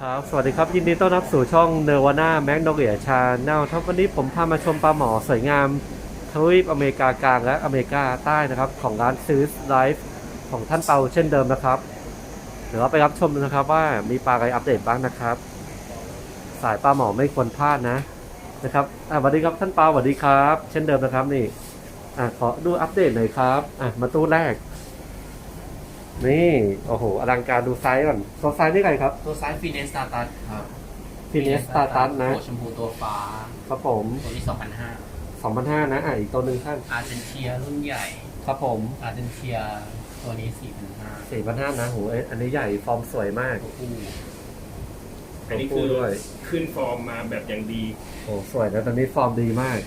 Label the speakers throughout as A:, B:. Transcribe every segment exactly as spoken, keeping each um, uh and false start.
A: ครับสวัสดีครับยินดีต้อนรับสู่ช่องเนวาน่าแมกโนเลียชาแนลครับวันนี้ผมพามาชมปลาหมอสวยงามทวีปอเมริกากลางและอเมริกาใต้นะครับของร้านซีสไลฟ์ของท่านเปาเช่นเดิมนะครับเดี๋ยวเราไปรับชมนะครับว่ามีปลาอะไรอัปเดตบ้างนะครับสายปลาหมอไม่ควรพลาดนะนะครับอ่ะสวัสดีครับท่านเปาสวัสดีครับเช่นเดิมนะครับนี่อ่ะขอดูอัปเดตหน่อยครับอ่ะมาตู้แรกนี่โอ้โหอลังการดูไซส์ก่อนตัวไซส์นี่ไงครับ
B: ตัวซ้ายฟีเนสตาตัสครับ
A: ฟีเนสตาตัสนะ
B: ตัวชมพูตัวฟ้า
A: ครับผม
B: ตัวนี้สองพันห้า
A: สองพันห้านะอ่ะอีกตัวหนึ่งท่าน
B: อาร์เจนเทียรุ่นใหญ่
A: ครับผม
B: อาร์เจนเทียตัวนี้สี่พันห้า
A: สี่พันห้านะโหเอ้ยอันนี้ใหญ่ฟอร์มสวยมาก
B: ตัวผู้
C: อันนี้
A: ตัว
C: คื
A: ผู้
C: อ
A: ด้วย
C: ขึ้นฟอร์มมาแบบอย่างดี
A: โอ้สวยนะตอนนี้ฟอร์มดีมาก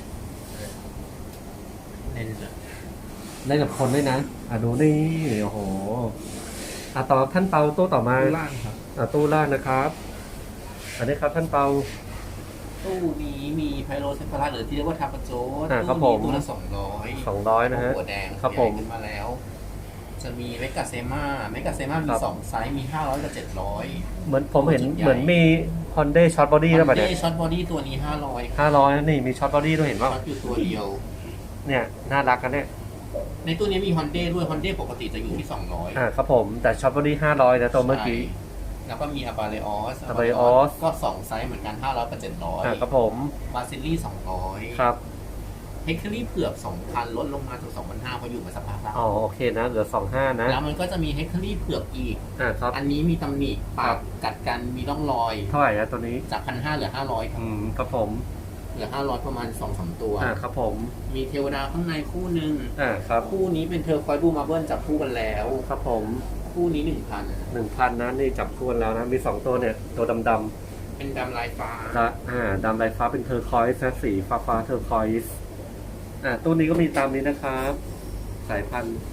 B: เล่นเลย
A: ได้กับคนด้วยนะอ่ะดูนี่โอ้โหอ่ะต่อท่านเปาตู้ต่อมา
B: ล่างครับ
A: อ่ะตู้ล่างนะครับ อันนี้ครับท่านเปา
B: ตู้นี้มีไพโรเซฟารัสหรือที่เรียกว่าทาปาโจ
A: อ่าครับผม
B: ตู้นี้ตัวละสองร้อย
A: สองร้อยนะฮะ
B: หัวแดง
A: ครับผม
B: ใหญ่ขึ้นมาแล้ว จะมีเมกาเซมาเมกาเซมามี
A: ครับ
B: สองไซส์มีห้าร้อยกับเจ็ดร้อย
A: เหมือนผมเห็น
B: จุดใหญ่
A: เหมือนมีฮอนเด้ช็อตบอดี้แล้วป่ะเนี่ย
B: ช็อตบอดี้ตัวนี้ห้าร้อย
A: ห้าร้อยนี่มีช็อตบอดี้ด้วยเห็นป่ะ
B: ช็อตอยู่ตัวเดียว
A: เนี่ยน่ารักกันเนี่ย
B: ในตู้นี้มีฮอนเด้ด้วยฮอนเด้ปกติจะอยู่ที่สองร้อย
A: อ่ะครับผมแต่ช็อตบอดี้ห้าร้อยนะตัวเมื่อกี้
B: แล้วก็มีอาบาเลออส
A: Abareos
B: ก็สองไซส์เหมือนกันห้าร้อยกับเจ็ดร้อย
A: อ่ะครับผม
B: บาซิลลี่สองร้อย
A: ครับ
B: เฮกเทอรี่เผือกสองพันลดลงมาถึงสองพันห้าเพราะอยู่มาสักพักแล้ว
A: อ๋อโอเคนะเหลือสองห้านะ
B: แล้วมันก็จะมีเฮกเทอรี่เผือกอีก
A: อ่าครับ
B: อันนี้มีตำหนิปากกัดกันมีร่องรอย
A: เท่าไหร่นะตัวนี้
B: จากพันห้าเหลือห้าร้อยครับ
A: อืมครับผม
B: เหลือห้าร้อยประมาณสองสามตัว
A: อ่าครับผม
B: มีเทวดาข้างในคู่หนึ่ง
A: อ่าครับ
B: คู่นี้เป็นเทอร์ควอยบูมาเบิลจับคู่กันแล้ว
A: ครับผม
B: คู่นี้หนึ่งพัน
A: หนึ่งพันนะนี่จับคู่กันแล้วนะมีสองตัวเนี่ยตัวดำดำ
B: เป็นดำลายฟ้า
A: ๆละอ่าดำลายฟ้าเป็นเทอร์คอยส์นะสีฟ้าฟ้าเทอร์คอยส์อ่าตัวนี้ก็มีตามนี้นะครับสายพันธุ์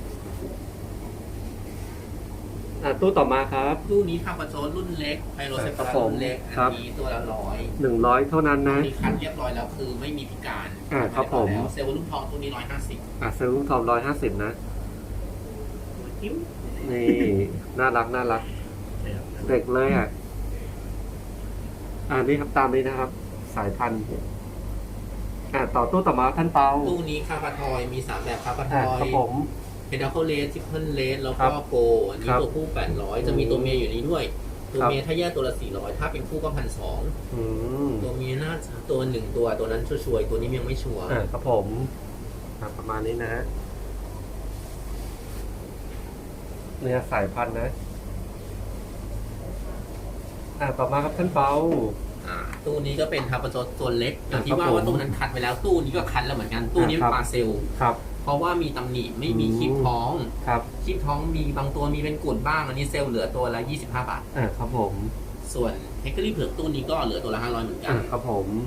A: อ่าตู้ต่อมาครับ
B: ตู้นี้ทำกระโจนรุ่นเล็กไพโรเซฟา
A: ครั
B: รา
A: บผม
B: รุ่นเล็ก
A: ครั
B: อั
A: บ
B: นนี้ตัวละร้อย
A: หนึ่งร้อยเท่านั้นนะ
B: มีคันเรียบร้อยแล้วคือไม่มีพิการ
A: อ่าครับผม
B: แล้วเซลล์ลูกทองตัวนี้ร้อยห้าสิบ
A: อ่าซื้อลูกทองร้อยห้าสิบนะนี่น่ารักน่ารัก เด็กเลยอ่ะ อ่านี่ครับตามนี้นะครับ สายพันธุ์อ่าต่อตู้ต่อมาท่านเปา
B: ตู้นี้คาปาทอยมีสามแบบคาปาท
A: อ่า
B: อย
A: ครับผม
B: เพดาโคเลสทิปเปิลเลสแล้ว
A: ครั
B: ก็
A: บ
B: โกอันนี้
A: ครับ
B: ตัวผู้แปดร้อยจะมีตัวเมียอยู่นี้ด้วย ตัว
A: ครับ
B: เมียถ้าแยกตัวละสี่ร้อยถ้าเป็นคู่ก็พันสอง
A: อืม
B: ตัวเมียน่าจะตัวหนึ่งตัวตัวนั้นชัวร์ๆตัวนี้ยังไม่ชัวร์
A: อ่าครับผมอ่าประมาณนี้นะฮะเนี่ยสายพันธุ์นะ อ่าต่อมาครับท่านเปา
B: อ่าตู้นี้ก็เป็นทาปาโจตัวเล็กอย่างที่
A: ครับ
B: ว่า
A: ผม
B: ว่าตู้นั้นคัดไปแล้วตู้นี้ก็คัดแล้วเหมือนกันตู้นี้
A: อ่าครับ
B: เป็นปลาเซล
A: ครับ
B: เพราะว่ามีตำหนิไม่มี
A: อืม
B: คลิปท้อง
A: ครับ
B: คลิปท้องมีบางตัวมีเป็นกุดบ้าง อันนี้เซลล์เหลือตัวละยี่สิบห้าบาท
A: อ่าครับผม
B: ส่วนเฮกเกอรี่เผือกตู้นี้ก็เหลือตัวละห้าร้อยเหมือนกั
A: อ่าน ครับผม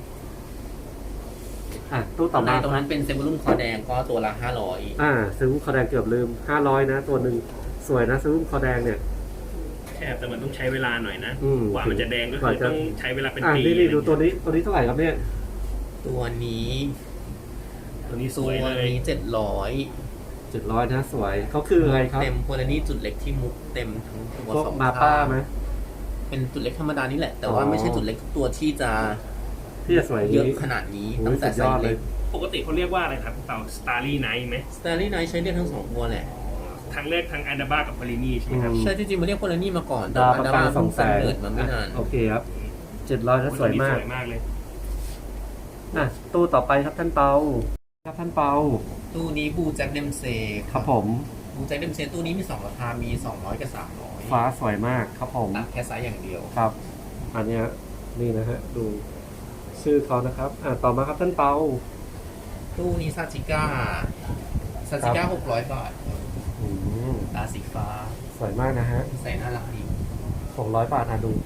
A: อ่าตู้ต่อ
B: ใน
A: มา
B: ตรงนั้นเป็นเซลล์รุ่นคอแดงก็ตัวละห้าร้อย
A: อ่าซื้อคอแดงเกือบลืมห้าร้อยนะ ตัวหนึ่งสวยนะซื้อคอแดงเนี่ย
C: แค่แต่มันต้องใช้เวลาหน่อยนะ
A: อืม
C: กว่ามันจะแดงก็
A: ก
C: คื
A: ว่า
C: อ
A: จะ
C: ต้องใช้เวลาเป็น
A: อ่า
C: ปี
A: นี่นี่ดู
C: อะไร
A: ตัว
C: เงี้ย
A: นี้ตัวนี้เท่าไหร่ครับเนี่ย
B: ตัวนี้
C: ตัวนี้ส
B: ตัว
C: วยเลย
B: นี้เจ็ดร้อย
A: เจ็ดร้อยนะสวยเขาคืออะไรครับ
B: เต็มโพลานี่จุดเล็กที่มุกเต็มทั้งตัว
A: พวก
B: สอง
A: มา
B: ข้
A: ป้าง ไหม
B: เป็นจุดเล็กธรรมดานี่แหละ แต่ว่า
A: อ๋อ
B: ไม่ใช่จุดเล็กทุกตัวที่จะ
A: ที่จะสวย
B: เย
A: นี้
B: อะขนาดนี้
A: โอ้ย
B: ตั้งแต่
A: สุดย
B: ไซ
A: อด
B: ส์
A: เล
B: เล็
A: ย
B: ก
C: ปกติเขาเรียกว่าอะไรครับเต่าสตาร์ลี่ไนท์ไหม
B: สตาร์ลี่ไนท์ใช้เรียกทั้งสองตัวแหละ
C: ทั้งแรกทั้งอันดาบ้ากับปารินีใช่ไหมครับ
A: อืม
B: ใช่จริงๆมันเรียกโพลานี่มาก่อนแต่
A: ดาว
B: ว่า
A: ประ
B: ดา
A: กา
B: รา
A: สอง
B: เพิ่ง
A: แสน
B: กำเนิดมาไม่นาน
A: โอเคครับเจ็ดร้อยนะสวยมาก
C: สวยมากเลย
A: อ่ะตู้ต่อไปครับท่านเปาครับท่านเปา
B: ตู้นี้บูแจ็คเดมเซ
A: ครับผม
B: บูแจ็คเดมเซตู้นี้มีสองราคา มีสองร้อยกับสามร้อย
A: ฟ้าสวยมากครับผม
B: ตัดแค่ไซส์อย่างเดียว
A: ครับ อันเนี้ยนี่นะฮะดูชื่อเขานะครับ อ่ะต่อมาครับท่านเปา
B: ตู้นี้ซาจิก้าซาจิก้าหกร้อยบาท
A: อืม
B: ตาสีฟ้า
A: สวยมากนะฮะ
B: ใส่น่ารักดี
A: หกร้อยบาทอ่ะดู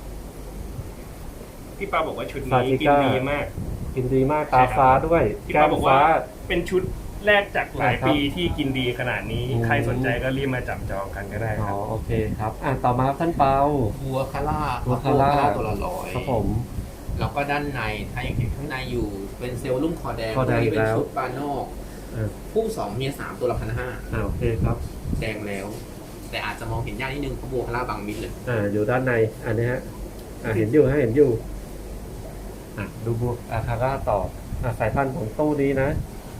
C: พี่ปาบอกว่าชุด
A: ซา
C: นี้
A: จิ
C: กิน
A: ก้า
C: ดีมาก
A: กินดีมากตาฟ้าด้วย
C: พี่
A: แก้
C: ปาม บอก
A: ฟ้า
C: ว่าเป็นชุดแรกจากหลาย
A: ครับ
C: ปีที่กินดีขนาดนี้
A: อืม
C: ใครสนใจก็รีบมาจับจองกันก็ได้
A: อ๋
C: ค
A: อ
C: รับ
A: โอเคครับ อ่ะต่อมาครับท่านเปา
B: บัวคาร่า
A: บัวคาร่า
B: ตัวละร้อย
A: ครับผม
B: แล้วก็ด้านใน ถ้าอย่างเห็นข้างในอยู่ เป็นเซลล์ลุ่มคอแดง
A: คอแดง
B: ตัวนี้เป็น
A: แล้ว
B: ชุดบานนอก
A: อ่ะ
B: คู่สองเมียสามตัวละพันห้า
A: อ่ะโอเคครับ
B: แดงแล้ว แต่อาจจะมองเห็นยากนิดนึงเพราะบัวคาร่าบางมิดเลย
A: อ่าอยู่ด้านในอันนี้ฮะอ่ะเห็นอยู่ฮะเห็นอยู่อ่ะดูบวกอาคาร่าต่ออ่ะสายพันธุ์ของตู้นี้นะ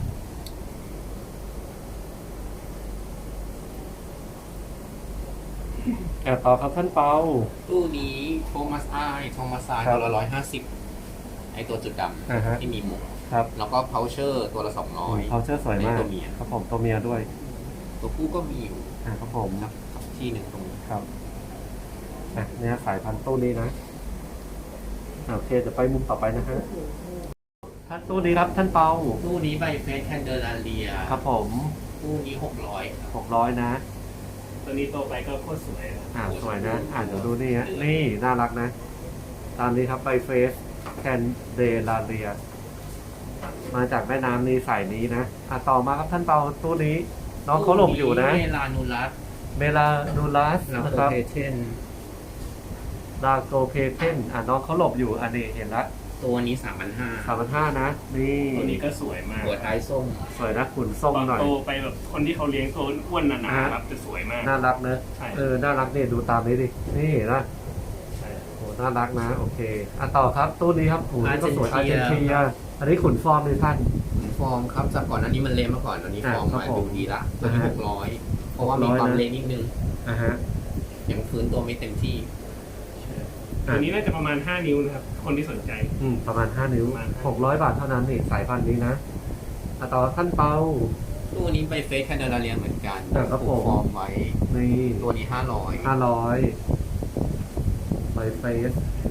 A: อ่ะต่อครับท่านเปา
B: ตู้นี้โทมัสไอโทมัสไอ
A: ครับ
B: ตัวละร้อยห้าสิบไอตัวจุดด
A: อ่าฮะ
B: ำที่มีมุก
A: ครับ
B: แล้วก็เพาเชอร์ตัวละสองร้อย
A: เขาเชื่อสวยมาก
B: ตัวเมีย
A: ครับผมตัวเมียด้วย
B: ตัวผู้ก็มีอยู่
A: อ่ะครับผม
B: สักสักที่หนึ่งตรงนี้
A: ครับอ่ะเนี่ยสายพันธุ์ตู้นี้นะอ่ะโอเคจะไปมุมต่อไปนะฮะท่านตู้นี้ครับท่านเปา
B: ตู้นี้ใบเฟสแคนเดลาเลีย
A: ครับผม
B: ตู้นี้หกร้อย
A: หกร้อยนะ
C: ตัวนี้โตไปก็โคตรสวยนะ
A: อ่าสวยนะ อ่านเดี๋ยวดูนี่ฮะ นี่ น่ารักนะ ตามนี้ครับไบเฟสแคนเดลาเรีย มาจากแม่น้ำนี้สายนี้นะ อ่ะต่อมาครับท่านเปาตู้นี้ น้องเขาหลบอยู่นะ
B: เมลานูรัส
A: เมลานูลัส
B: ลา
A: นะ
B: โค
A: ครับ
B: เพเทน
A: ดาโกเพเทนอ่ะน้องเขาหลบอยู่ อันนี้เห็นละ
B: ตัวนี้สามพันห้า
A: สามพันห้านะ นี่
C: ตัวนี้ก็สวยมาก
B: หัวท้ายส้ม
A: สวยนะขุนส้ม
C: ตอน
A: หน่อย
C: โตไปแบบคนที่เขาเลี้ยงตัวอ้วนหนา
A: อ่า
C: ๆครับจะสวยมาก
A: น่ารักนะ
C: ใช่
A: เออ น่ารักเนี่ยดูตามนี้ดิ นี่นะ
C: ใช่
A: โห น่ารักนะ โอเค อ่ะต่อครับตู้นี้ครับโหนี่ก็สวยอา
B: อา
A: ร์
B: ร์
A: เจ
B: เจ
A: น
B: นติ
A: ติ
B: นา
A: นาอันนี้ขุนฟอร์มเลยท่าน
B: ฟอร์มครับจากก่อนอันนี้มันเละมาก่อนอันนี้
A: อ่า
B: ฟอร์ม
A: ครับ
B: มา
A: ผม
B: ดูดีละตัวนี้
A: อ่า
B: ห
A: ฮะ
B: กร้อยเพราะว่ามีความ
A: หกร้อยนะ
B: เละนิดนึง
A: อ่ะฮะ
B: ยังฟื้นตัวไม่เต็มที่
C: ตัวนี้น่าจะประมาณห้านิ้วนะครับ คนที่สนใจ
A: อืมประมาณห้านิ้ว
C: ประมาณห้า
A: หกร้อยบาทเท่านั้นนี่สายพันธุ์นี้นะอ่ะต่อท่านเปา
B: ตู้นี้ไปเฟสแคนเดลาเรียเหมือนกัน
A: อ่าครับผม
B: ฟอร์มไว้
A: นี่
B: ตัวนี้ห้าร้อย
A: ห้าร้อยไบเฟส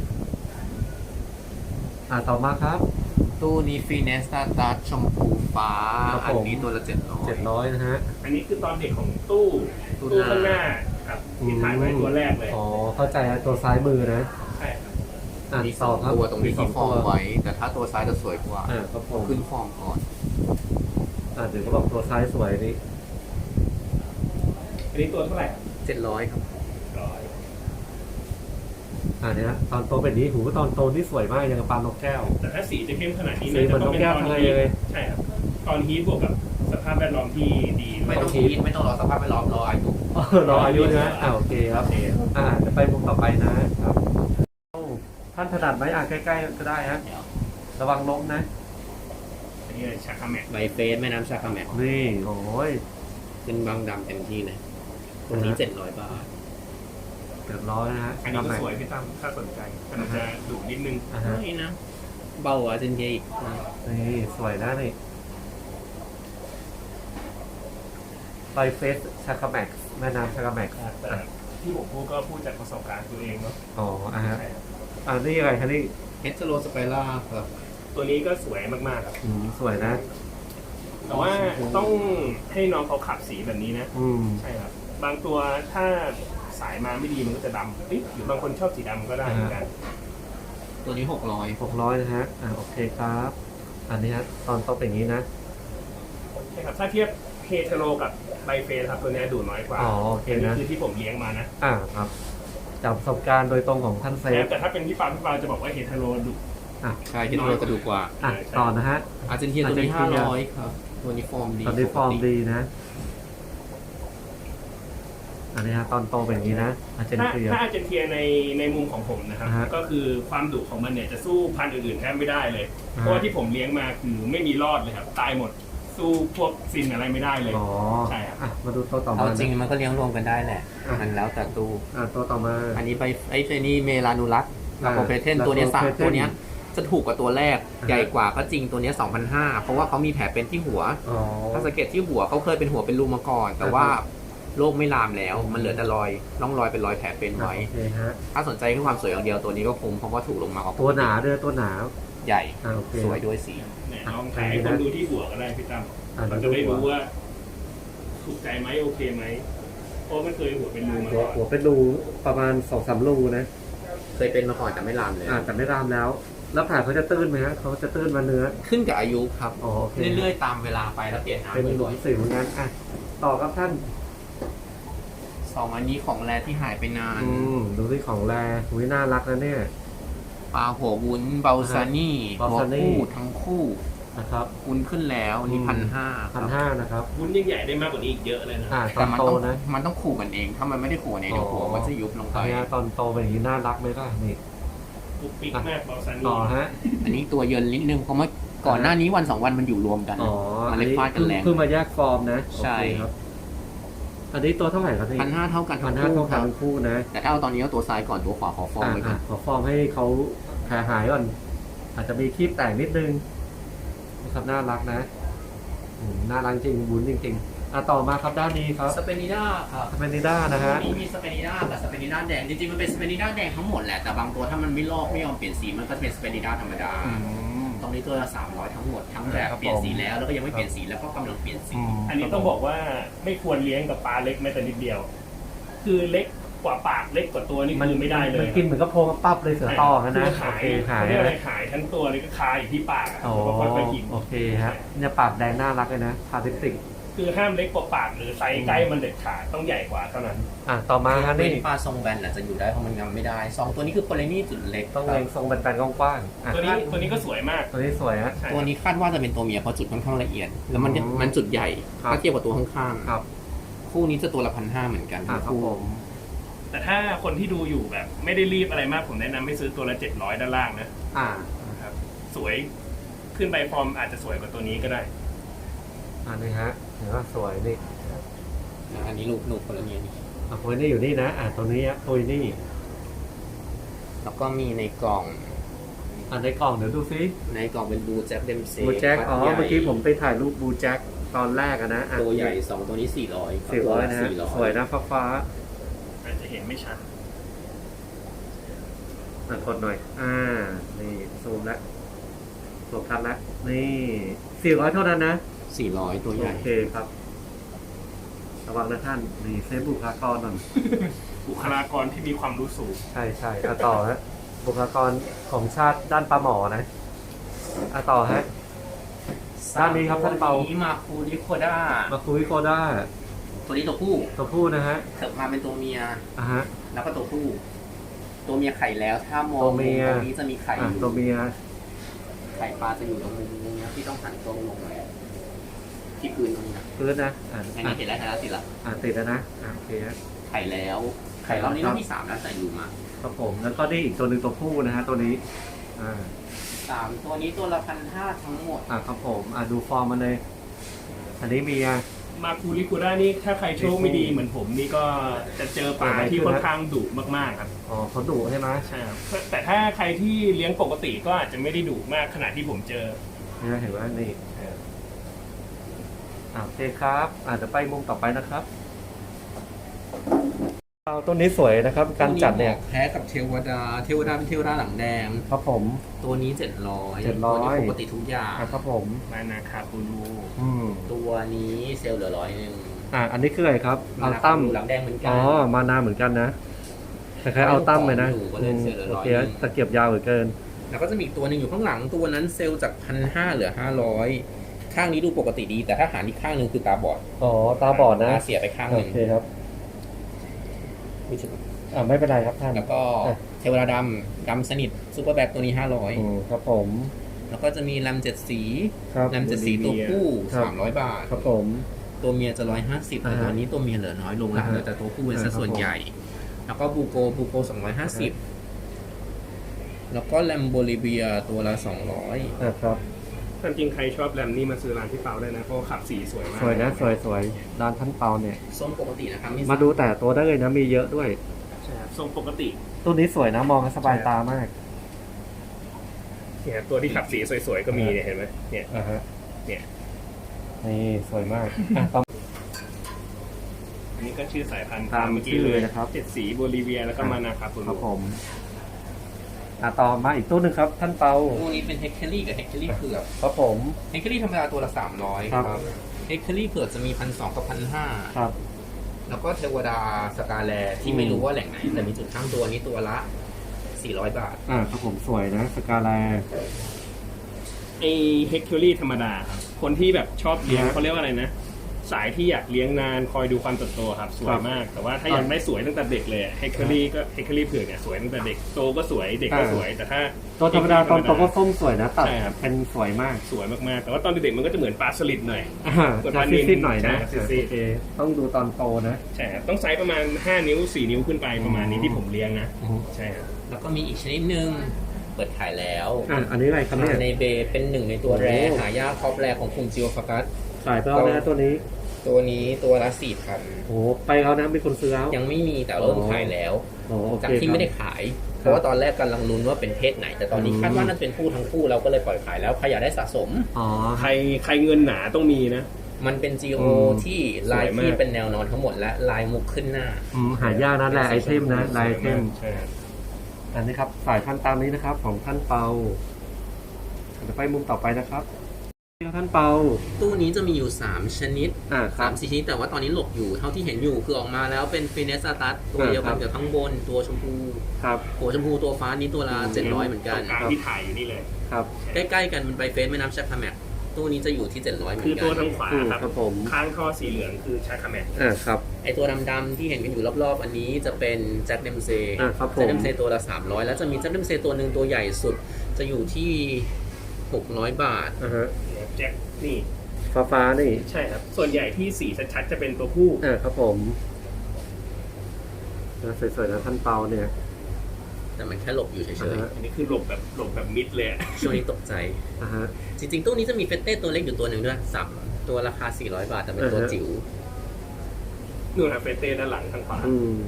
A: อ่ะต่อมาครับ
B: ตู้นี้ฟีเนสตาตัสชมพูฟ้า
A: ครับ
B: อัน
A: ผม
B: นี้ตัวละเจ็ดร้อย
A: เจ็ดร้อยนะฮะ
C: อันนี้คือตอนเด็กของตู้
B: ตู้
C: ตู้
B: หน้า
C: ข้างหน้าครับที่ถ่ายไว้ตัวแรกเลย
A: อ๋อเข้าใจแล้วตัวซ้ายมือนะ
C: ใช่ครับ
A: อ่ะ
B: มีส
A: ต่
B: อ
A: อง ครับ
B: ตัวตรงนี้
A: สอ
B: ที่
A: ง
B: ฟอร์ม
A: ตัว
B: ไว้ แต่ถ้าตัวซ้ายจะสวยกว่า
A: อ่ะครับผม
B: ขึ้นฟอร์มก่อน
A: อ่ะเดี๋ยวเขาบอกตัวซ้ายสวยนี่
C: อันนี้ตัวเท่าไหร่ครับ
B: เจ็ดร้อยครับ
C: ร้อย
A: อ่ะเนี่ยตอนโตเป็นนี้หูตอนโตนี่สวยมากอย่างกับปลานกแก้ว
C: แต่ถ้าสีจะเข้มขนาดนี้
A: สีเหมือนนกแก้ว
C: ตอน
A: ทะเล
C: ฮีท
A: เลย
C: ใช่ครับ ตอนฮีทบวกกับสภาพแวดล้อมที่ดี
B: ไม่ต้อง
A: คิ
B: คิ
A: ด
B: ดไม่ต้องรอสภาพแวดล้อมรออายุ
A: อ๋อรออายุนะอ่ะโอเคครับ
C: โอเค
A: อ่าจะไปมุมต่อไปนะครับโอ้ท่านถนัดไหมอ่ะใกล้ๆก็ได้ฮะ
B: เดี๋ยว
A: ระวังล้มนะ
C: อันนี้เลยชาคาแมก
B: ใบเฟสแม่น้ำชาคาแมก
A: นี่โอ้ย
B: เป็นบางดำเต็มที่เลยตรงนี้เจ็ดร้อยบาท
A: เกือบร้อยนะฮะ
C: อันนี้ก็สวยพี่ตั้มถ้าสนใจมันจะดุนิดนึง
A: อ่าฮะ
B: ไม่นะ เบากว่าเจนเจอีก
A: นี่สวยนะนี่ไบเฟสชาคาแม็กซ์แม่น้ำชาคาแม็กซ์
C: แต่ที่ผมพูดก็พูดจากประสบการณ์ตัวเองเนาะ
A: อ๋ออ่ะฮะ
C: ใช่ครับ
A: อ่านี่อะไรคะนี่
B: เฮสโลสไปล่าครับ
C: ตัวนี้ก็สวยมากๆครับ
A: อืมสวยนะ
C: แต่ว่าต้องให้น้องเขาขับสีแบบนี้นะ
A: อืม
C: ใช่ครับ บางตัวถ้าสายมาไม่ดีมันก็จะดำเอ้ยหรือบางคนชอบสีดำก็ได้เหมือนกัน
B: ตัวนี้หกร้อย
A: หกร้อยนะฮะอ่าโอเคครับ อันนี้ฮะตอนโตเป็นอย่างนี้นะ
C: ใช่ครับ ถ้าเทียบเฮเทโรกับไบเฟสครับตัวเนี้ยดูน้อยกว่า
A: อ๋อโอเคนะ
C: นนี้คือที่ผมเลี้ยงมานะ
A: อ่าครับจากประสบการณ์โดยตรงของท่านเซฟ
C: แต่ถ้าเป็นพี่ปาพี่ปาจะบอกว่าเฮเทโรดุ
A: อ่ะ
B: ใช่เฮสโลจะดูกว่า
A: อ่ะต่อนะฮะ
B: อาร์เจนตินาตัวนี้
A: อา
B: ห้า
A: ร์เจนตินา
B: ร้อยครับ ตัวนี้ฟอร์มดี
A: ตอนนี้ฟอร์ม
B: ปกติ
A: ดีนะ อันนี้ฮะตอนโตเป็นอย่างนี้นะอาร์เจน
C: ถ้า
A: ตินา
C: ถ้าอาร์เจนเทียในในมุมของผมนะครับ
A: อ่าฮะ
C: ก็คือความดุของมันเนี่ยจะสู้พันธุ์อื่นๆแทบไม่ได้เลย
A: อ่า
C: เพราะว่าที่ผมเลี้ยงมาคือไม่มีรอดเลยครับตายหมดสู้พวกซินอะไรไม่ได้เลย
A: อ๋อ
C: ใช่ครับ
A: อ่ะมาดูตัวต่อมา
B: เอา
A: นะ
B: จริงมันก็เลี้ยงรวมกันได้แหละ
A: อ่ะ
B: มันแล้วแต่ตู้
A: อ่ะตัวต่อมา
B: อันนี้ไปไอ้เจนี่เมลานูรัส
A: อ่า
B: ลาโคเพเทนตัวเนี้ยสาม
A: Lacophaeton
B: ตัวเนี้ยจะถูกกว่าตัวแรก
A: อ่า
B: ใหญ่กว่าก็จริงตัวเนี้สองพันห้าเพราะว่าเขามีแผลเป็นที่หัว
A: อ๋อ
B: ถ้าสังเกตที่หัวเขาเคยเป็นหัวเป็นรูมาก่อน แต่ว่าโรคไม่ลามแล้ว มันเหลือแต่รอยร่องรอยเป็นรอยแผลเป็นไว้
A: โอเคฮะ
B: ถ้าสนใจแค่ความสวยอย่างเดียวตัวนี้ก็คงเพราะว่าถูกลงมากว่า
A: ตัวหนาด้วยตัวหนา
B: ใหญ่
A: อ่ะโอเค
B: สวยด้วยสี
C: เนี่ยลองถ่ายให้คนดูที่หัวก็ได้พี่ตั้ม
A: อ่ะ
C: เรา
A: ดู
C: จะได้
A: หัว
C: รู้ว่า ถูกใจไหมโอเคไหมเพราะมันเคยหัวเป็นรูมา
A: หัว
C: ก่อน
A: หัวเป็นรูประมาณสองสามรูนะ
B: เคยเป็นมาก่อนแต่ไม่ลามเลย
A: อ่ะแต่ไม่รามแล้ว แล้วแผลเขาจะตื้นไหมฮะเขาจะตื้นมาเนื้อ
B: ขึ้นกับอายุครับ
A: อ๋อโอเค
B: เรื่อยๆตามเวลาไปแล้วเปลี่ยน
A: เป็นห
B: น้ำ
A: ลุ
B: บ่อ
A: ม
B: ย
A: สิวงั้นอ่ะต่อครับท่าน
B: ๆสองอันนี้ของแรที่หายไปนาน
A: อืมดูที่ของแรหุยน่ารักนะเนี่ย
B: ปลาหัววุ้นเบลซานี่
A: เบล
B: หัว
A: ซานี่
B: คู่ทั้งคู่
A: นะครับ
B: วุ้นขึ้นแล้วนี่
A: อืม
B: พันห้าค
A: พั
B: รั
A: น
B: บ
A: ห้านะครับ
C: วุ้นยังใหญ่ได้มากกว่านี้อีกเยอะเลยนะ
A: อ่าตอ
B: แต่
A: น
B: มัน
A: โต
B: ต้อง
A: นะ
B: มันต้องขู่กันเอง ถ้ามันไม่ได้ขู่กันเองเดี๋ยวหัวมันจะยุบลงไป
A: อันนี้ตอนโตเป็นอย่างนี้น่ารักไหมล่ะนี่
C: ปุ๊กปิ๊กมากเบาซานี
A: ต่อฮะ
B: อันนี้ตัวเยินนิดนึงเพราะเมื่อก่อนหน้านี้วันสองวันมันอยู่รวมกัน
A: อ๋อ
B: มันเลยฟาดกันแรง
A: เพิ่งมาแยกฟอร์มนะ
B: ใช่
A: โอเคครับ อันนี้ตัวเท่าไหร่ครับพี่
B: พันห้าเท่ากัน
A: พั
B: ทั้
A: น
B: ง
A: ห้า
B: คู่
A: เท่า
B: ค
A: กัน
B: รับ
A: ทั้งคู่นะ
B: แต่ถ้าเอาตอนนี้เอาตัวซ้ายก่อนตัวขวาขอฟอร์ม
A: อ่า
B: ไว้ก่อน
A: ขอฟอร์มให้เขาแผลหายก่อน อาจจะมีคลิปแตกนิดนึงนะครับน่ารักนะอืมน่ารักจริงบุญจริงๆอ่ะต่อมาครับด้านนี้ครับ
B: สเปนิด้าครับ
A: สเปนิด้านะฮะ
B: นี่มีสเปนิด้ากับสเปนิด้าแดงจริงๆมันเป็นสเปนิด้าแดงทั้งหมดแหละแต่บางตัวถ้ามันไม่ลอกไม่ยอมเปลี่ยนสีมันก็จะเป็นสเปนิด้าธรรมดา
A: อืม
B: ตรงนี้ตัวละสามร้อยทั้งหมดทั้งแบบ
A: ครับผม
B: เปลี่ยนสีแล้วแล้วก็ยังไม่เปลี่ยนสีแล้วก็กำลังเปลี่ยนสี
C: อันนี้ต้องบอกว่าไม่ควรเลี้ยงกับปลาเล็กแม้แต่นิดเดียว คือเล็กกว่าปากเล็กกว่าตัวนี่คือไม่ได้เลย
A: มันกินเหมือนกับโพรงปั๊บเลยเสือต่อกันนะ
C: คือ
A: โอ
C: หาย
A: เคหาย
C: เขาเรียกอะไร
A: นะ
C: หายทั้งตัวเลยก็คาอยู่ที่ปากอะ
A: โอ้
C: แล้วก็ค่อยๆกิน
A: โอเคฮะเนี่ยปากแดงน่ารักเลยนะพาติสิก
C: คือห้ามเล็กกว่าปากหรือไซส์ใกล้มันเด็ดขาดต้องใหญ่กว่าเท่านั้น
A: อ่ะต่อมาฮะ
B: นี่
A: นี่
B: ปลาทรงแบนอาจจะอยู่ได้เพราะมันงำไม่ได้สองตัวนี้คือโพลานี่จุดเล็ก
A: ต้อง
B: ค
A: เล
B: รับ
A: งทรงแบนๆกว้างๆอ่ะ
C: ตัวนี้ตัวนี้ก็สวยมาก
A: ตัวนี้สวยฮะ
C: ใช่
B: ตัวนี้คาดว่าจะเป็นตัวเมียเพราะจุดค่อนข้างละเอียด แล้วมัน
A: อืม
B: มันจุดใหญ่
A: ครับ
B: ถ้าเทียบกับตัวข้าง
A: ครับ
B: ๆคู่นี้จะตัวละพันห้าเหมือนกัน
A: อ่ะ
B: ทั้ง
A: ครับ
B: คู่
A: ผม
C: แต่ถ้าคนที่ดูอยู่แบบ ไม่ได้รีบอะไรมากผมแนะนำให้ซื้อตัวละเจ็ดร้อยด้านล่างนะ
A: อ่า
C: ครับสวยขึ้นไปฟอร์มอาจจะสวยกว่าตัวนี้ก็ได้
A: อันนี้ฮะเห็นว่าสวยนี่
B: อันนี้ลูกลูกโพลานี่นี่
A: อ่ะโพยนี่อยู่นี่นะอ่ะตัวนี้ฮะโพยนี่
B: แล้วก็มีในกล่อง
A: อ่ะในกล่องเดี๋ยวดูซิ
B: ในกล่องเป็นบูแจ็คเดมเซ่
A: บูแจ็คอ๋อเมื่อกี้ผมไปถ่ายรูปบูแจ็คตอนแรกอะนะอ่ะ
B: ตัวใหญ่สองตัวนี้สี่ร้อย
A: สี่ร้อยนะฮะ
B: สี่ร้อย
A: สวยนะฟ้าฟ้า
C: อาจจะเห็นไม่ชัด
A: ๆอ่ะกดหน่อย อ่า นี่ซูมแล้วซูมทันแล้วนี่สี่ร้อยเท่านั้นนะ
B: สี่ร้อยตัวใหญ่
A: โอเคครับ ระวังนะท่านนี่เซฟบุคลากรหน่อย
C: บุคลากรที่มีความรู้สูง
A: ใช่ใช่อ่ะต่อฮะบุคลากรของชาติด้านปลาหมอนะอ่ะต่อฮะ ด้านนี้ครับท่านเปา
B: ตัวนี้มาคูริโคด้า
A: มาคุยโคด้า
B: ตัวนี้ตัวผู้
A: ตัวผู้นะฮะ
B: เถิบมาเป็นตัวเมีย
A: อ่ะฮะ
B: แล้วก็ตัวผู้ ตัวเมียไข่แล้ว ถ้ามอง
A: ตัวเมีย
B: ตรงนี้จะมีไข่อ
A: อ่ะ
B: ยู่
A: ตัวเมีย
B: ไข่ปลาจะอยู่ตรงมุมนี้นะที่ต้องหันตรงลงหน่อยที่พื้นตรงนี้นะ
A: พื้นนะอ่ะ
B: อัน
A: อ่ะ
B: นี้เห็นแล้วเห็นแล้วติดละ
A: อ่ะติดแล้วนะอ่ะโอเคฮะ
B: ไข่แล้ว ไข่รอบนี้รอบที่สามแล้วแต่อยู่มา
A: ครับผมแล้วก็นี่อีกตัวหนึ่งตัวผู้นะฮะตัวนี้ อ่า
B: สามตัวนี้ตัวละพันห้าทั้งหมด
A: อ่ะครับผมอ่ะดูฟอร์มมันเลย อันนี้มีอ่ะ
C: มาคูริคูด้านี่ถ้าใครโชคไม่ดีเหมือนผมนี่ก็จะเจอปลาที่ค่อนข้างดุมากๆครับ
A: อ๋อเขาดุใช่ไหม
C: ใช่ครับแต่ถ้าใครที่เลี้ยงปกติก็อาจจะไม่ได้ดุมากขนาดที่ผมเจอ
A: นี่เห็นว่านี่เอออ่ะโอเคครับอาจจะไปมุมต่อไปนะครับเอาต้นนี้สวยนะครับ การจัดเนี่ย
B: แพ้กับเทวดา เทวดาเป็นเทวดาหลังแดง
A: ครับผม
B: ตัวนี้เจ็ดร้อย
A: เจ็ดร้อย
B: ตัวนี้ปกติทุกอย่าง
A: อ่ะครับผม
C: มานาคาปูรู
A: อืม
B: ตัวนี้เซลล์เหลือร้อยหนึ่ง
A: อ่ะอันนี้คืออะไรครับอัลตัม
B: หลังแดงเหมือนกั
A: อ๋อมานาเหมือนกันนะคล้ายๆอัลตัมเลยนะ
B: อยู่ก็เลยเสียเหลือ
A: โอ
B: ร้อย
A: เคตะเกียบยาวเหลือเกิน
B: แล้วก็จะมีอีกตัวหนึ่งอยู่ข้างหลังตัวนั้นเซลล์จากพันห้าเหลือห้าร้อยข้างนี้ดูปกติดี แต่ถ้าหารอีกข้างหนึ่งคือตาบอด
A: อ๋อตาบอดนะ
B: ตาเสียไปข้างห
A: โอ
B: นึ่ง
A: เคครับ
B: ไม่ถึง
A: อ่าไม่เป็นไรครับท่าน
B: แล้วก็
A: อ่ะ
B: เทวดาดำดำสนิทซูเปอร์แบ็คตัวนี้ห้าร้อย
A: อืมครับผม
B: แล้วก็จะมีแรมเจ็ดสี
A: ครับ
B: แรมเจ็ดสีตัวผู้
A: ครับ
B: สามร้อยบาท
A: ครับผม
B: ตัวเมียจะร้อยห้าสิบแต่
A: อ่าฮะ
B: ตัวนี้ตัวเมียเหลือน้อยลงแล้ว
A: อ่าฮะ
B: เหลือแต่ตัวผู้เป็นสัดส่วน
A: อ่าครับผม
B: ใหญ่ แล้วก็บูโกบูโกสองร้อยห้าสิบแล้วก็แลมโบลิเวียตัวละสองร้อย
A: อ่าครับ
C: ความจริงใครชอบแรมนี่มาซื้อร้านพี่เปาได้นะเพราะว่าขับสีสวยมาก
A: สวยนะสวยสวยด้านท่านเปาเนี่ย
B: ส้มปกตินะครับมี
A: มาดูแต่ตัวได้เลยนะมีเยอะด้วย
C: ใช่ครับทรงปกติ
A: ตัวนี้สวยนะมองแล้วสบายตามาก
C: เนี่ยตัวที่ขับสีสวยๆก็มีเนี่ยเห็นไหมเนี่ย
A: อ่าฮะ
C: เนี่ย
A: นี่สวยมากอ่ะต่อ
C: อันนี้ก็ชื่อสายพันธุ์
A: ตาม
C: เมื่อกี้
A: ชื่อ
C: เล
A: เลย ยนะครับ
C: เจ็ดสีโบลิเวียแล้วก็มานาคาปู
A: ครั
C: รู
A: บผมอ่ะต่อมาอีกตัวหนึ่งครับ ท่านเปา
B: ตัวนี้เป็นเฮกเคอรี่กับเฮกเคอรี่เผือก
A: ครับผม
B: เฮกเคอรี่ธรรมดาตัวละสามร้อย
A: ครับ
B: เฮกเคอรี่เผือกจะมีพันสองกับพันห้า
A: ครับ
B: แล้วก็เทวดาสกาแลที่ไม่รู้ว่าแหล่งไหนแต่มีจุดข้างตัวนี้ตัวละสี่ร้อยบาท
A: อ่าครับผมสวยนะสกาแล
C: ไอเฮกเทอรี่ธรรมดาครับคนที่แบบชอบเลี้ยง
A: ฮะ
C: เขาเรียกว่าอะไรนะ สายที่อยากเลี้ยงนานคอยดูความเติบโตครับสว
A: ครั
C: ย
A: บ
C: มาก แต่ว่าถ้าอยากได้สวยตั้งแต่เด็กเลยเฮกเทอรี่ก็เฮกเทอรี่เผือกเนี่ยสวยตั้งแต่เด็กโตก็สวยเด็กก็
A: อ่า
C: สวยแต่ถ้า
A: ตัวธรรมดาตอนโตก็ส้มสวยนะตัด
C: ใช่ครับ
A: เป็นสวยมาก
C: สวยมากๆ แต่ว่าตอนเด็กๆมันก็จะเหมือนปลาสลิดหน่อย
A: อ่า
C: ส่วน
A: จะ
C: ปลานิล
A: ซีดๆหน่อยนะ
C: ใช่ซีดๆ
A: โอเคต้องดูตอนโตนะ
C: ใช่ครับต้องไซส์ประมาณห้านิ้วสี่นิ้วขึ้นไปประมาณนี้ที่ผมเลี้ยงนะ
A: อือฮึ
C: ใช่ครับ
B: แล้วก็มีอีกชนิดหนึ่งเปิดขายแล้ว
A: อ่ะอันนี้อะไรครับเนี่ย
B: ในเบเป็นหนึ่งในตัว
A: โอ้
B: แรหายากท็อปแรของกลุ่มจิโอฟากัส
A: ขายไปแล้วนะตัวนี้
B: ตัวนี้ตัวละสี่พัน
A: โอ้ไปแล้วนะมีคนซื้อแล้ว
B: ยังไม่มีแต่เริ่มขายแล้ว
A: โอ้โอเค
B: จากที่ไม่ได้ขาย เพราะว่าตอนแรกกำลังลุ้นว่าเป็นเพศไหน แต่ตอนนี้
A: อืม
B: คาดว่าน่าจะเป็นผู้ทั้งคู่เราก็เลยปล่อยขายแล้วใครอยากได้สะสม
A: อ๋อ
C: ใครใครเงินหนาต้องมีนะ
B: มันเป็น จี โอ
A: อืม
B: ที่ลาย
C: สวยมาก
B: ที่เป็นแนวนอนทั้งหมดและลายมุกขึ้นหน้า
A: อืมหายากนะลายไอเทมนะลายไอเทม
C: ใช่ครับ
A: อันนี้ครับสายพันธุ์ตามนี้นะครับ ของท่านเปาเดี๋ยวไปมุมต่อไปนะครับท่านเปา
B: ตู้นี้จะมีอยู่ สาม ชนิด
A: อ่าครั
B: สา
A: บ
B: มสี่ชนิดแต่ว่าตอนนี้หลบอยู่เท่าที่เห็นอยู่คือออกมาแล้วเป็นฟินเนสตัสตัวเดียวกัน
A: อ่าครับ
B: กับข้างบนตัวชมพู
A: ครับ
B: หัวชมพูตัวฟ้านี้ตัวละเจ็ดร้อยเหมือนกัน
C: ตรงกลางที่ถ่ายอยู่นี่เลย
A: ครับ
B: ใกล้ๆกันมันไปเฟสแม่น้ำชักคาแมกตู้นี้จะอยู่ที่เจ็ดร้อยเหมือ
C: คือน
B: กั
C: ตัวน ทางขวา
A: อืม
C: ครับ
A: ครับผม
C: ข้างท่อสีเหลืองคือชาคาแมน
A: อ่าครับ
B: ไอตัวดำๆที่เห็นกันอยู่รอบๆ อันนี้จะเป็นแจ็คเดมเซ
A: อ่าครับผม
B: แจ็คเดมเซตัวละสามร้อยแล้วจะมีแจ็คเดมเซตัวหนึ่งตัวใหญ่สุดจะอยู่ที่หกร้อยบาท
A: อ่าฮะ
C: แจ็คนี่
A: ฟ้าฟ้านี่
C: ใช่ครับ ส่วนใหญ่ที่สีชัดๆจะเป็นตัวผู้
A: อ่าครับผมนะสวยๆนะท่านเปาเนี่ย
B: แต่มันแค่หลบอยู่เฉ
A: อ่าย ฮะ
C: อันนี้คือหลบแบบหลบแบบมิดเลยอะ
B: ๆช่วงนี้ตกใจ
A: อ่าฮะ
B: จริงๆ ตู้นี้จะมีเฟตเต้ตัวเล็กอยู่ตัวหนึ่งด้วยสับตัวราคาสี่ร้อยบาทแต่เป็นตัว
A: อ่าฮะ
B: จิ๋ว
C: นู่นครับเฟเต้ด้านหลังทางขวา
A: อืม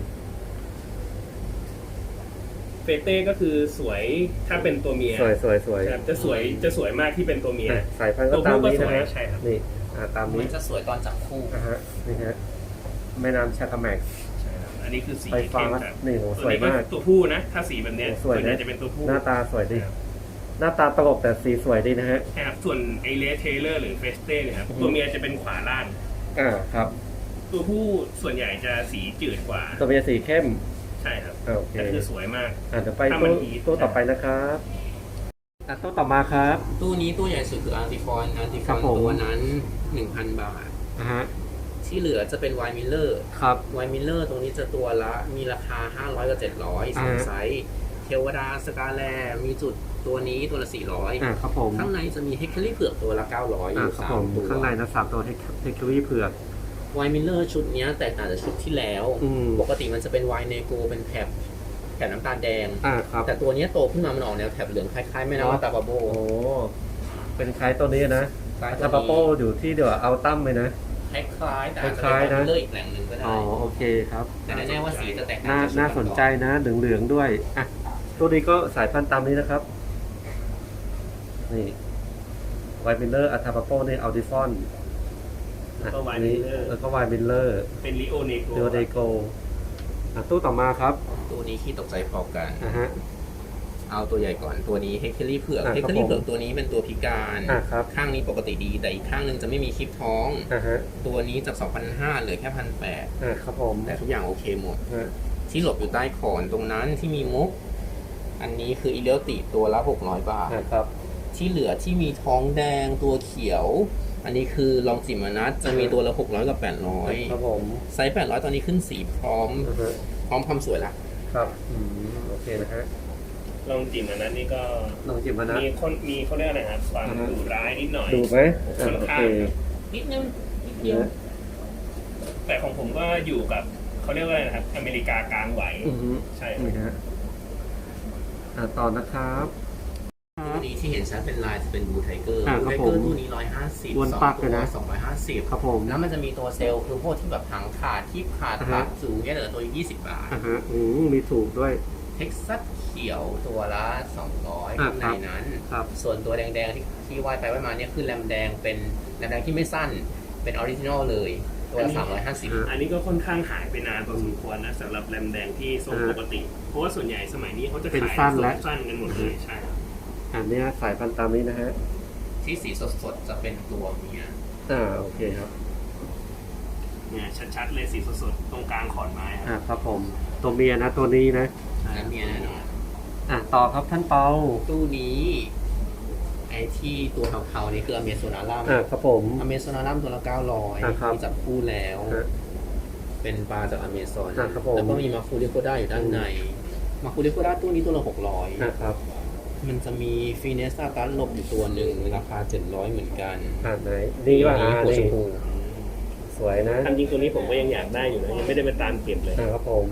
C: เฟเต้ก็คือสวยถ้าเป็นตัวเมีย
A: สวยสวยสวย
C: ครับจะสวยจะสวยมากที่เป็นตัวเมีย
A: อ่ะสายพันธุ์ก็ตามนี้นะฮะ
C: ใช่ครับ
A: นี่อ่าตาม
B: มั
A: นี้
B: นจะสวยตอนจับคู่
A: อ่าฮะนี่ฮะแม่น้ำชาคาแมก
C: ใช่ครับ อันนี้คือสี
A: ไฟฟ้า
C: เข้มครับ
A: นี่โห
C: ตั
A: สวย
C: นี้
A: มาก
C: ตัวผู้นะ ถ้าสีแบบเนี้ย
A: โอ้สวยนะ
C: ส่วนใหญ่จะเป็นตัวผู้
A: หน้าตาสวยดี
C: ครับ
A: หน้าตาตลกแต่สีสวยดีนะฮะ
C: ใช่ครับส่วนไอเลสเทเลอร์หรือเฟสเต้เนี่ยครับ
A: อือฮึ
C: ตัวเมียจะเป็นขวาล่าง
A: อ่าครับ
C: ตัวผู้ส่วนใหญ่จะสีจืดกว่า
A: ตัวเมียสีเข้ม
C: ใช่ครับ
A: อ่าโอเค
C: แต่คือสวยมาก
A: อ่าเดี๋ยวไป
C: ถ้ามั
A: ตู้
C: นฮีท
A: ตู้ต่อไปนะครับอ่ะตู้ต่อมาครับ
B: ตู้นี้ตู้ใหญ่สุดคืออาร์ติฟอนอาร์ติฟ
A: ครั
B: อบ น
A: ผม
B: ตัวนั้น หนึ่งพัน บาท
A: อ่าฮะ
B: ที่เหลือจะเป็นไวมิลเลอร์
A: ครับ
B: ไวมิลเลอร์ตรงนี้จะตัวละมีราคา ห้าร้อยกับเจ็ดร้อยสอง
A: อ่า
B: ไซส์เทวดาสกาแลมีจุดตัวนี้ตัวละสี่ร้อย
A: อ่าครับผม
B: ข้างในจะมีเฮคเคอรี่เผือกตัวละเก้าร้อยอ
A: อ่า
B: ยู่
A: ครับ
B: สา
A: ผม ม
B: ตัว
A: ข้างในนะสามตัวเทคเทคโนโลยีเผือก
B: ไวมิลเลอร์ชุดเนี้ยแตกต่างจากชุดที่แล้ว
A: อืม
B: ปกติมันจะเป็นไวเนโกเป็นแถบแถบน้ำตาลแดง
A: อ่าครับ
B: แต่ตัวเนี้ยโตขึ้นมามันออกแนวแถบเหลืองคล้ายๆแม่น้ำตาบาโบ
A: โอ้เป็นคล้ายตัวนี้นะ
B: คล้ายตัวนี้
A: ซาปาโปอยู่ที่เดี๋ยวเอาตั้มเลยนะ
B: คล้ายๆแต่อาจจะ
A: คล้ายๆ
B: เป็น
A: นะ
B: ไวมิลเลอร์อีกแหล่งหนึ่งก็ได้
A: อ๋อโอเคครับ
B: แต่แน่ๆว่าสีจะแตกต่าง
A: น่า
B: จากชุด
A: น่าสนใจนะเหลืองๆด้วยอ่ะตัวนี้ก็สายพันธุ์ตามนี้นะครับ นี่ไวมิลเลอร์อัลทาปาโปนี่อัลดิฟอน
C: แล้วก็ไวมิลเลอร์
A: แล้วก็ไวมิลเลอร์
C: เป็นลิโอเนโก
A: เดโอเดโกอ่ะตู้ต่อมาครับ
B: ตัวนี้ขี้ตกใจพอกัน
A: อ่ะฮะ
B: เอาตัวใหญ่ก่อนตัวนี้เฮคเคอรี่เผือก
A: อ่ะ
B: เฮค
A: ครั
B: เคอบ รี่
A: ผม
B: เผือกตัวนี้เป็นตัวพิการ
A: อ่ะครับ
B: ข้างนี้ปกติดีแต่อีกข้างหนึ่งจะไม่มีคลิปท้อง
A: อ่ะฮะ
B: ตัวนี้จาก สองพันห้าร้อย เหลือแค่ หนึ่งพันแปดร้อย
A: อ่ะครับผม
B: แต่ทุกอย่างโอเคหมด
A: ฮะ
B: ที่หลบอยู่ใต้ขอนตรงนั้นที่มีมุก อันนี้คืออิเลติตัวละหกร้อยบาท
A: อ่ะครับ
B: ที่เหลือที่มีท้องแดงตัวเขียว อันนี้คือลองจิมานัทจะมีตัวละหกร้อยกับแปดร้อย
A: ครับผม
B: ไซส์แปดร้อยตอนนี้ขึ้นสีพร้อม
A: อ่ะฮะ
B: พร้อมความสวยละ
A: ครับอืมโอเคนะฮะ
C: ลองจิมอันนั้นนี่ก็
A: ลองจิบมานะ
C: มีคนมีเขาเรียกอะไรครับความ
A: อ่าฮะ
C: ดุร้ายนิดหน่อย
A: ดูไหมอ่ะ
C: ค่อน
A: โอ
C: ข้า
A: เค
C: งครับ
B: นิดนึงนิดเดียว
A: นะ
C: แต่ของผมก็อยู่กับเขาเรียกว่าอะไรนะครับ อเมริกากลางไหว
A: อือฮึ
C: ใช่
A: นี่ฮะอ่ะต่อนะครับ
B: ตัวนี้ที่เห็นชัดเป็นลายจะเป็นบูไทเกอร์
A: อ่า
B: บู
A: ครับ
B: ไท
A: ผ
B: เกอ
A: ม
B: ร์ตัวนี้ร้อยห้าสิบ
A: วน
B: สอง
A: ปักเลย
B: ตัว
A: นะ
B: สองร้อยห้าสิบ
A: ครับผม
B: แล้วมันจะมีตัวเซลล์คือพวกที่แบบหางขาดที่ขาด
A: อ่า
B: ขา
A: ฮะ
B: ดสูงเนี่ยเหลือตัวยี่สิบบาท
A: อ่ะฮะอืมมีถูกด้วย
B: เท็กซัสเขียวตัวละสองร้อย
A: อ่า
B: ข้างในนั้น
A: ครับ
B: ส่วนตัวแดงๆที่ที่ว่ายไปว่ายมาเนี่ยคือแรมแดงเป็นแรมแดงที่ไม่สั้นเป็นออริจินอลเลยตัวละสามร้อยห้าสิบ
A: อ่า
C: อันนี้ก็ค่อนข้างหายไปนานพอสมควรนะสำหรับแรมแดงที่ทรง
A: อ่า
C: ปกติ เพราะว่าส่วนใหญ่สมัยนี้เขาจะ
A: เป็น
C: ขาย
A: สั้น
C: ทร
A: แล้ว
C: งสั้นกันหมดเลยใช่ครับ
A: อันเนี้ยสายพันธุ์ตามนี้นะฮะ
B: ที่สีสดๆจะเป็นตัวเมีย
A: อ่าโอเคครับ
C: เนี่ยชัดๆเลยสีสดๆตรงกลางขอนไม้ค
A: อ่า
C: รับ
A: ครับผมตัวเมียนะตัวนี้นะ
B: และเมียแน่นอน
A: อ่ะต่อครับท่านเปา
B: ตู้นี้ไอ้ที่ตัวเทาๆนี่คืออเมซอนาลัม
A: อ่าครับผม
B: อเมซอนาลัมตัวละเก้าร้อย
A: อ่าครับ
B: มีจับคู่แล้ว
A: ฮะ
B: เป็นปลาจากอเมซอน
A: อ่าครับผม
B: แล้วก็มีมาคูริโคด้าอยู่ด้านในมาคูริโคด้าตู้นี้ตัวละหกร้อย
A: นะครับ
B: มันจะมีฟีเนสตาตัสหลบอยู่ตัวหนึ่งราคาเจ็ดร้อยเหมือนกัน
A: อ่าไหนดีว่า
B: อัน
A: อ่า
B: นี้หัวช
A: นี่
B: มพู
A: สวยนะ
C: ทำจริงตัวนี้ผมก็ยังอยากได้อยู่นะยังไม่ได้ไปตามเก็บเลย
A: อ่าครับผม
B: อืม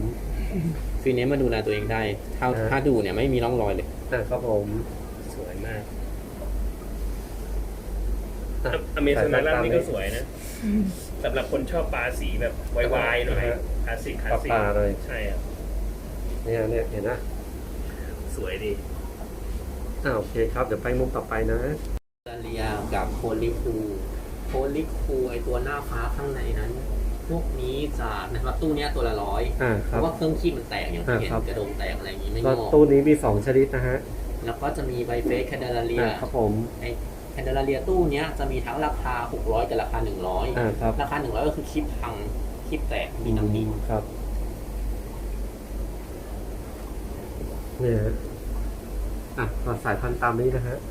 B: ฟีเนี้มาดูแลตัวเองได้ ถ้า
A: อ่า
B: ถ้าดูเนี่ยไม่มีร่องรอยเลย
A: อ่ะครับผม
C: สวยมาก
A: อ่ะ
C: อเมซอนล่านี่ก็ส
A: วย
C: วยนะสำหรับคนชอบปลาสีแบบวายๆหน่อยคลาสสิกคลาสสิก
A: ปลาๆเลย
C: ใช่ครับ
A: เนี่ยเนี่ยเห็นนะ
C: สวยดี
A: อ่าโอเคครับเดี๋ยวไปมุมต่อไปนะ
B: ดาเลียกับโพลิคูโพลิคูไอตัวหน้าฟ้าข้างในนั้น พวกนี้จะนะครับตู้เนี้ยตัวละร้อย
A: อ่าค
B: เพ
A: รับ
B: ราะว่าเครื่องคีบมันแตกอย่างที่เห็น
A: อ่าครับ
B: กระดงแตกอะไรอย่างนี้ไม่
A: ก็
B: งอก
A: ตู้นี้มีสองชนิดนะฮะ
B: แล้วก็จะมีไบเฟสแคนเดลเลีย
A: อ่าครับผม
B: ไอแคนเดลเลียตู้เนี้ยจะมีทั้งราคาหกร้อยกับราคาหนึ่งร้อย
A: อ่าครับ
B: ราคาหนึ่งร้อยก็คือคีบพังคีบแตกมีน้ำหนิ
A: อืมครับเนี่ยฮะอ่ะก็สายพันธุ์ตามนี้นะฮะ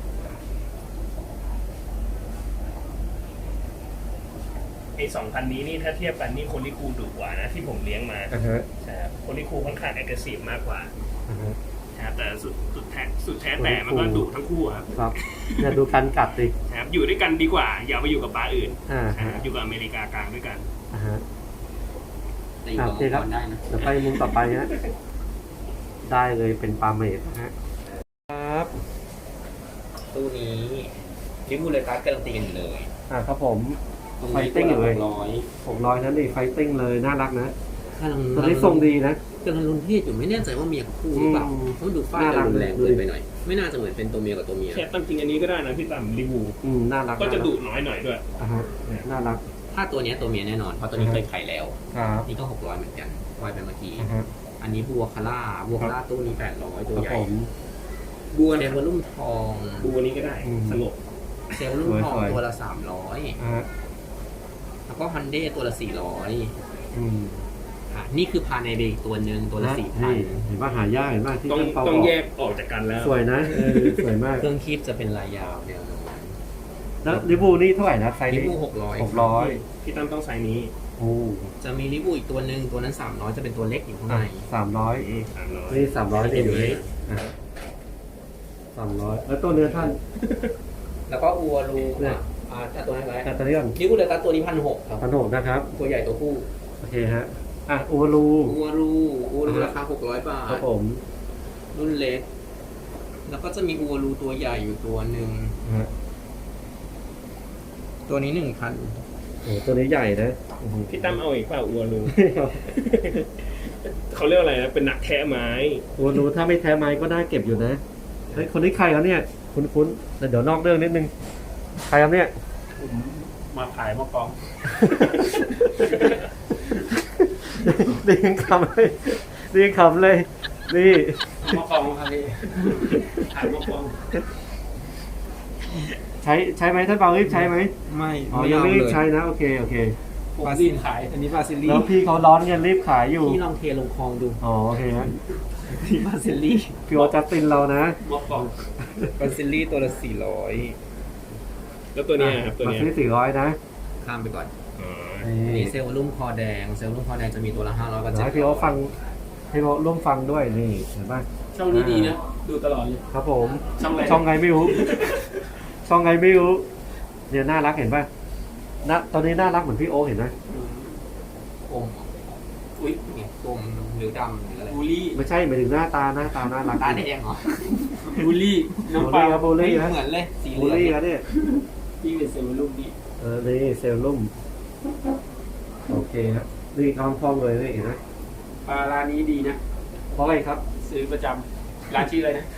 C: ไอสองพันนี้นี่ถ้าเทียบกันนี่โคลิคูดุกว่านะที่ผมเลี้ยงมา
A: อ่าฮะ
C: ใช่ครับโคลิคูค่อนข้างแอคทีฟมากกว่า
A: อ่าฮะ
C: นะครับแต่สุดสุดแท้สุดแท้แต่มันก็ดุทั้งคู่ครับ
A: ครับเนี่ยดูการกัดดิ
C: นะครับอยู่ด้วยกันดีกว่า อย่าไปอยู่กับปลาอื่น
A: อ่า
C: นะ
A: ฮะ
C: ครับอยู่กับอเมริกากลางด้วยกัน
A: อ่าฮะ
B: แต่อยู่กับ
A: โอเค
B: มัง
A: ครับ
B: กรได้นะ
A: เดี๋ยวไปมุมต่อไปฮะได้เลยเป็นปลาเมดนะฮะครับ
B: ตู้นี้ลิบูเลตัสการันตีกันอยู่เลย
A: อ่าครับผม
B: ตรง
A: ไฟ
B: นี้
A: ติ้งอยู่เลย
B: ร้อย
A: ผมร้อยนั้นนี่ไฟติ้งเลยน่ารักนะ
B: กำลัง
A: ตัวนี้ทรงดีนะ
B: กำลังลุ้นเพศอยู่ไม่แน่ใจว่าเมียคู่หรือเปล่า
A: อืม
B: เพราะดูฝ้า
A: น่ารั
B: จะ
A: ก
B: รุนแรง
A: ดูดิ
B: เกินไปหน่อย ไม่น่าจะเหมือนเป็นตัวเมียกับตัวเมีย
C: แค่ตั้งจริงอันนี้ก็ได้นะพี่ตั้มรีวู
A: อืมน่ารัก
C: ก็จะ
A: น่ารั
C: ดุน้อยหน่อยด้วย
A: อ่าฮะน่ารัก
B: ถ้าตัวเนี้ยตัวเมียแน่นอนเพราะตัวนี้
A: อือ
B: เค
A: ฮะ
B: ยไข่แล้ว
A: ครับ
B: นี่ก็หกร้อยเหมือนกันวายไปเมื่อกี้
A: อ่าฮะ
B: อันนี้บัวคาร่าบัวคาร่าตู้นี้แปดร้อยตัว
A: ครับ
B: ใหญ่
A: ผม
C: บัว
B: เซลล์ลุ่มทอง
C: บัวนี้ก็ได้
A: อืม
C: สงบ
B: เซลล์ลุ่มทอง
A: สวยๆ
B: ตัวละสามร้อย
A: อ่าฮะ
B: แล้วก็ฮันเดตัวละสี่ร้อย
A: อืม
B: อ่ะนี่คือพาในเบอีกตัวหนึ่งตัวละสี่พัน
A: นี่เห็นว่าหายากเห็นว่าที่
C: ต้อง
A: ท่านเปา
C: ต้อง
A: บอก
C: แยกออกจากกันแล้ว
A: สวยนะเออสวยมาก
B: เครื่องคีบจะเป็นลายยาวแนวโน้ม
A: แล้วลิบูนี่เท่าไหร่นะไซส์
B: ลิ
A: นี้
B: บูหกร้อย
A: หกร้อย
C: พี่ตั้มต้องไซส์นี้
A: โอ้
B: จะมีลิบูอีกตัวหนึ่งตัวนั้นสามร้อยจะเป็นตัวเล็กอยู่ข้างใน
A: สามร้อย
C: สามร้อย
A: นี่สามร้อยนี่อยู่นี่สามร้อยแล้วตัวเนื้อท่าน
B: แล้วก็อัวรู
A: เนี่ย
B: อ่าอ่าตัวนั้นไว้
A: แต่ตัวนี้ก่อน
B: ลิบูเลตัสตัวนี้พันหกครับ
A: พันหกนะครับ
B: ตัวใหญ่ตัวผู้
A: โอเคฮะอ่ะอูรู
B: อัวรูอัวรู
A: อ่าฮะ
B: ราคาหกร้อยบา
A: ครั
B: ท
A: บผม
B: รุ่นเล็ก แล้วก็จะมีอัวรูตัวใหญ่อยู่ตัวหนึ่ง
A: ฮะ
B: ตัวนี้หนึ่งพัน
A: โอ้ตัวนี้ใหญ่นะโอ้โห
C: พี่ตั้มเอาอีกเปล่าอัวรูเขาเรียกอะไรนะเป็นหนักแท้ไม้
A: อูรูถ้าไม่แท้ไม้ก็น่าเก็บอยู่นะเฮ้ยคนนี้ใครครับเนี่ยคุ้นๆแต่เดี๋ยวนอกเรื่องนิดนึงใครครับเนี่ย
C: ผมมาขายมะกอง
A: เรียงคำเลยเรียงคำเลย นี่
C: มะกองครับพี่ขายมะกอง
A: ใช้ใช้ไหมท่านเปารีบใช้ไหม
B: ไม่
A: อ๋อยังไม่รีบใช้นะโอเคโอเค
C: ผมรีบขายอันนี้บาซิลี
A: แล้วพี่เขาร้อนกันรีบขายอยู่
B: พี่ลองเทลงคลองดู
A: อ๋อโอเคฮะ
B: ที่บาซิลี่
A: พี่โอจัสตินเรานะ
C: มะกอง
B: บาซิลี่ตัวละสี่ร้อย
C: แล้วตัวเนี้ยครับตัว
A: มา
C: เนี้ย
A: ซื้อสี่ร้อยนะ
B: ข้ามไปก่อน
C: อ๋อ
B: อันนี้เซลล์ลุ่มคอแดง เซลล์ลุ่มคอแดงจะมีตัวละห้าร้อยกับ
A: เดี๋ยว
B: เจ็ด
A: ให้พี่โอฟังให้พี่โอร่วมฟังด้วยนี่เห็นป่ะ
C: ช่องนี้ดีนะ ดูตลอดเลย
A: ครับผม
C: ช่องอะไร
A: ช่องไงไม่รู้ ช่องไงไม่รู้เนี่ยน่ารักเห็นป่ะนะตอนนี้น่ารักเหมือนพี่โอเห็นไหม
B: กลมอุ้ยเนี่ยกลมหรือดำหรืออะไร
C: บูลลี่
A: ไม่ใช่หมายถึงหน้าตาหน้าตาน่ารัก
B: ตาแดงเหรอ
C: บูลลี่
A: บู
C: น้อง
A: ล
C: ปลา
A: ลี่ครับบูลลี่
B: เห
A: นะ
B: มือนเลยสีเห
A: บู
B: ลื
A: ล
B: อง
A: ลี่ครับเนี่ย
C: ที่เป็นเซลล์ลูกนี่
A: เออนี่เซลลุ่มโอเคครับนี่คำพองเลยนี่เห็นไหม
C: ปลาร้านนี้ดีนะ
A: เพราะอะไรครับ
C: ซื้อประจำร้านชื่ออะไรนะ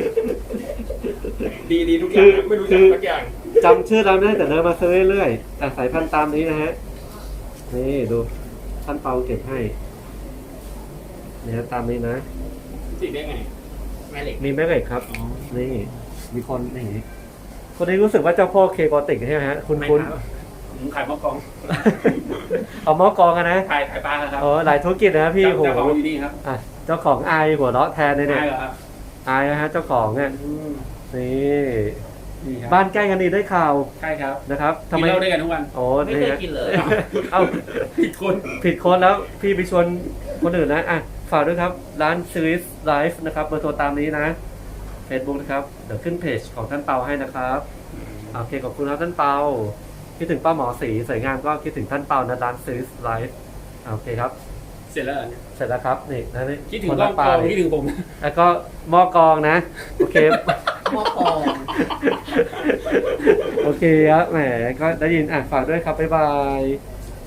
C: ดีดีทุกอย่างนะไม่รู้จักสักอย่าง
A: จำชื่อเราไม่ได้แต่เดินมาซื้อเรื่อยๆแต่สายพันธุ์ตามนี้นะฮะนี่ดูท่านเปาเก็บให้นี่ฮะตามนี้นะ
C: ติดได้ไง
B: แม่เหล็ก
A: มีแม่เหล็กครับ
C: อ๋อ
A: นี่ มีคนนี่คนนี้รู้สึกว่าเจ้าพ่อเคโกติกใช่ไหมฮะ คุณ
C: ไม่
A: คุณ
C: ครับผมขายมะกอง
A: เอาหม้อกองกันนะ
C: ขายขายปลาครับ
A: อ๋อหลายธุรกิจนะพี่
C: เจ้า
A: โห
C: เจ้าของอยู่นี่ครับ
A: อ่ะเจ้าของอายหัวเราะแทนเลยเนี่ย
C: ได้เหรอครับ
A: อายนะฮะเจ้าของเนี่ย
C: อืม
A: นี่
C: นี่ครับ
A: บ้านใกล้กันนี่ได้ข่าว
C: ใช่ครับ
A: นะครับทำ
C: กิน
A: ไม
C: เหล้าด้วยกันทุกวัน
A: โอ้
B: ไม่เคย
A: ฮะ
B: กินเลย
A: เอ้า
C: ผิดคน
A: ผิดคนแล้วพี่ไปชวนคนอื่นนะอ่ะฝากด้วยครับ ร้านซีรีส์ไลฟ์นะครับเบอร์โทรตามนี้นะ Facebook นะครับ เดี๋ยวขึ้นเพจของท่านเปาให้นะครับโอเคขอบคุณครับท่านเปาคิดถึงป้าหมอสีสวยงามก็คิดถึงท่านเปานะร้านซีรีส์ไลฟ์โอเคครับ
B: เสร็จแล้วเหรอ
A: เสร็จแล้วครับนี่นะนี่
B: คิดถึง
A: คน
B: กล้
A: ละ
B: อง
A: ป
B: ก
A: ลา
B: อง
A: เลย
B: คิดถึงผม
A: แล้วก็หม้อกรองนะ โอเค
B: หม้อกอง
A: โอเคครับแหมก็ได้ยินอ่ะฝากด้วยครับ บ๊ายบาย